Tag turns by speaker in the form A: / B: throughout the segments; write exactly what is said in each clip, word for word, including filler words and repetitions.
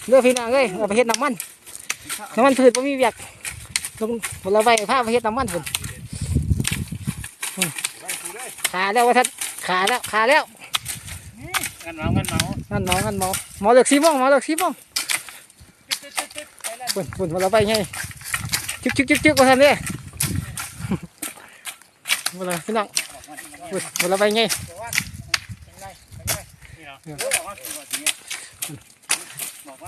A: เลือกพี่น้องเอ้ยเอาไปเฮ็ดน้ำมันน้ำมันพืชบ่มีเวียกลงผลไม้ผ้าไปเฮ็ดน้ำมันพุ่นขาแล้วว่าท่านขาแล้วขาแล้ว
B: งันเมางันเมา
A: งั้นหมองั้นหมอหมอเลือกสีม่วงหมอเลือกสีม่วงพุ่นพุ่นผลไม้ไงจึ๊กจึ๊กจึ๊กจึ๊กว่าท่านเนี่ยผลไม้พี่น้องพุ่นผลไม้ไง
B: บอกว่าบอกว่า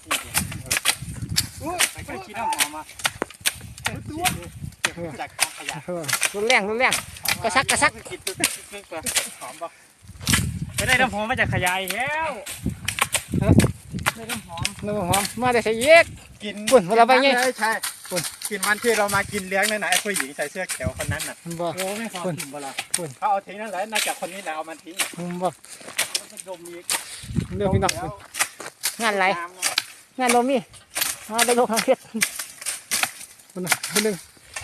B: ไปไปขี้น้ำหอมมาจากขยะ
A: รุนแรงรุนแรงกระซักกระซัก
B: คิดตึ๊กตึ๊กไปหอมปะไปได้น้ำหอมมาจากขยะอีกแล้วได้น้ำหอม
A: น้ำหอมมาได้ใส่เย็ก
B: กิน
A: ปุ่นเวลาไปไง
B: ใช่ปุ่นกินมันที่เรามากินเลี้ยงนั่นนะไอ้ผู้หญิงใส่เสื้อเขียวคนนั้นน่ะ
A: บ่
B: โอ้ไม่พอกินบ่ละ
A: ปุ่น
B: เขาเอาทิ้งนั่นแหละน่าจะคนนี้แหละเอามันทิ้ง
A: บ่
B: มันดมอีก
A: เรื่องพี่น้องงานไรงานลมมีมาได้ลงทางเฮ็ดคนนึงคนนึง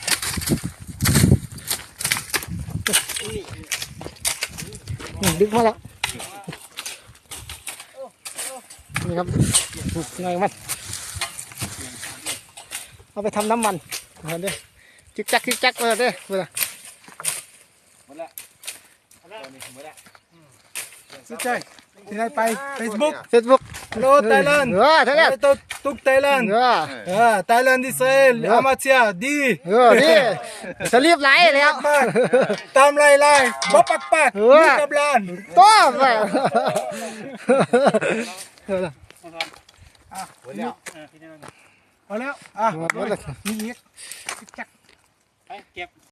A: ดึกมาแล้วนี่ครับไงมันเอาไปทำน้ำมันเห็นดิจิกจักจิกจักเลยเด้อเวลา
B: หมดละหมดละหมดละ
C: สุดใจที่ไหนไป Facebook
A: เฟซบุ๊ก
C: Hello Thailand
A: เออทั้งนั้น
C: Hello Tuk Thailand
A: เออ
C: เออ Thailand Israel Amatia ดี
A: เออนี่สลีปไหลแล้ว
C: มากตามไล่ไล่บ๊อบปักปัก
A: เออ
C: มีกับลาน
A: ต้อไป
C: อ่ะ
B: หมดแล้วพี่น้อง
C: เอาแล้วอ่ะ
A: หมดแล้ว
C: มีอีก
B: ไปเก็บ